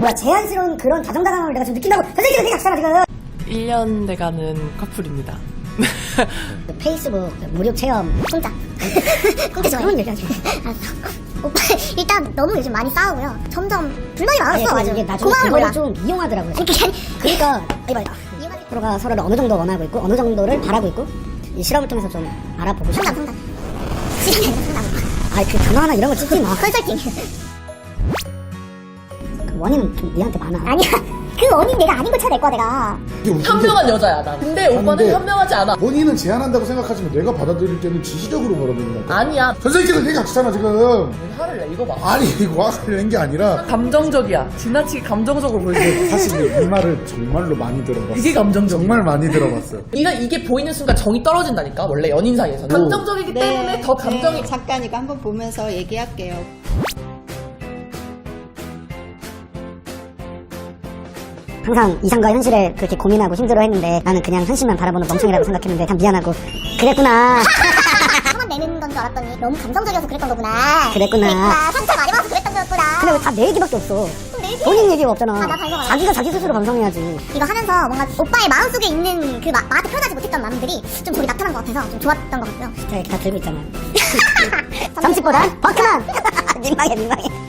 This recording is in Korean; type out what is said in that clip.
뭐야, 제한스러운 그런 다정다감을 내가 좀 느낀다고. 선생님들 되게 악사가 지금. 1년 돼가는 커플입니다. 그 페이스북 무료 체험 공짜. 공짜 좋아해. 그런 얘기하지. 알았어. 오빠 일단 너무 요즘 많이 싸우고요. 점점 불만이 아니, 많았어. 이게 나중에 고마움을 그걸 몰라. 좀 이용하더라고요. 그게 그러니까 이봐, 서로가 서로를 어느 정도 원하고 있고 어느 정도를 바라고 있고 이 실험을 통해서 좀 알아보고 싶어. 상담. 시간이 아니라 상담. 아이 그 단어 하나 이런 거 찍지 마. 컨설팅. 그 원인은 좀 니한테 많아. 아니야. 그 원인 내가 아닌 걸 찾아낼 거야 내가. 현명한 여자야 난. 근데 오빠는 현명하지 않아. 본인은 제안한다고 생각하지만 내가 받아들일 때는 지시적으로 몰아붙는 거야. 아니야. 선생님께서 얘기 악수잖아 지금. 화를 내. 이거 봐. 아니 이거 화를 낸 게 아니라 감정적이야. 지나치게 감정적으로 보이지. 사실 이 말을 정말로 많이 들어봤어. 이게 감정적. 정말 많이 들어봤어요. 이게 보이는 순간 정이 떨어진다니까. 원래 연인 사이에서는. 감정적이기 때문에 더 감정이. 잠깐 이거 한번 보면서 얘기할게요. 항상 이상과 현실을 그렇게 고민하고 힘들어했는데 나는 그냥 현실만 바라보는 멍청이라고 생각했는데 참 미안하고 그랬구나. 화만 내는 건 줄 알았더니 너무 감정적이어서 그랬던 거구나. 그랬구나. 상처 많이 받아서 그랬던 거였구나. 근데 왜 다 내 얘기밖에 없어? 내 얘기? 본인 얘기가 없잖아. 나 반성하라. 자기가 자기 스스로 반성해야지. 이거 하면서 뭔가 오빠의 마음속에 있는 그 나한테 표현하지 못했던 마음들이 좀 저기 나타난 것 같아서 좀 좋았던 것 같고요. 자, 이렇게 다 들고 있잖아요. 점집보다 버크만. 민망해.